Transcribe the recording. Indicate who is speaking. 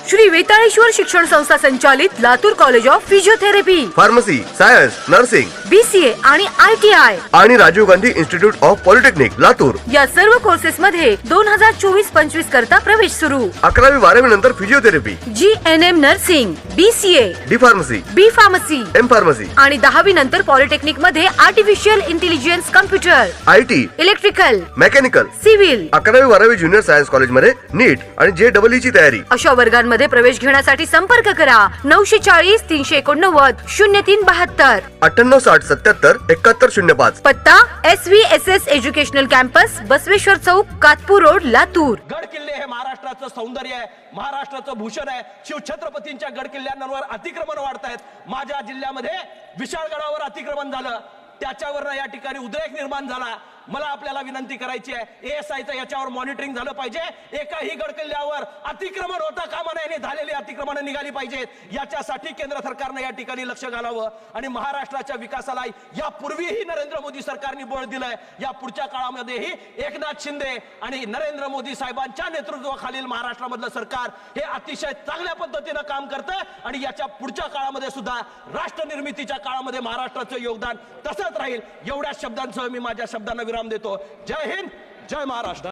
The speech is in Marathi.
Speaker 1: श्री वेताळेश्वर शिक्षण संस्था संचालित Latur college of physiotherapy,
Speaker 2: pharmacy, science, nursing,
Speaker 1: BCA आणि ITI
Speaker 2: आणि Rajiv Gandhi institute of polytechnic Latur
Speaker 1: या सर्व कोर्सेस मध्ये 2024-25 करता प्रवेश सुरू।
Speaker 2: 11वी 12वी नंतर physiotherapy,
Speaker 1: GNM nursing, BCA,
Speaker 2: D pharmacy,
Speaker 1: B pharmacy
Speaker 2: M pharmacy
Speaker 1: आणि 10वी नंतर पॉलिटेक्निक मध्ये artificial intelligence, computer,
Speaker 2: IT,
Speaker 1: electrical,
Speaker 2: mechanical,
Speaker 1: civil
Speaker 2: 11वी 12वी ज्युनियर सायन्स कॉलेज मध्ये नीट आणि JEE ची तयारी।
Speaker 1: अशा वर्गांमध्ये प्रवेश घेण्यासाठी संपर्क करा 940 389 0372,
Speaker 2: 98 60 77 71 05।
Speaker 1: पत्ता SVSS एज्युकेशनल कॅम्पस, बसवेश्वर चौक, कातपूर रोड, लातूर।
Speaker 3: गड किल्ले हे महाराष्ट्राचं सौंदर्य आहे, महाराष्ट्राचं भूषण आहे। शिवछत्रपतींच्या गड किल्ल्यांवर अतिक्रमण वाढतायत। माझ्या जिल्ह्यामध्ये विशाळगडावर अतिक्रमण झालं, त्याच्यावर या ठिकाणी उद्रेक निर्माण झाला। मला आपल्याला विनंती करायची आहे, ASIचं याच्यावर मॉनिटरिंग झालं पाहिजे। एकाही गड किल्ल्यावर अतिक्रमण होता कामा नये, झालेली अतिक्रमण निघाली पाहिजेत। याच्यासाठी केंद्र सरकारने या ठिकाणी लक्ष घालावं आणि महाराष्ट्राच्या विकासाला यापूर्वीही नरेंद्र मोदी सरकारने बळ दिलंय, या पुढच्या काळामध्येही एकनाथ शिंदे आणि नरेंद्र मोदी साहेबांच्या नेतृत्वाखालील महाराष्ट्रामधलं सरकार हे अतिशय चांगल्या पद्धतीनं काम करतंय आणि याच्या पुढच्या काळामध्ये सुद्धा राष्ट्र निर्मितीच्या काळामध्ये महाराष्ट्राचं योगदान तसंच राहील। एवढ्या शब्दांसह मी माझ्या शब्दांना विराम देतो। जय हिंद, जय महाराष्ट्र।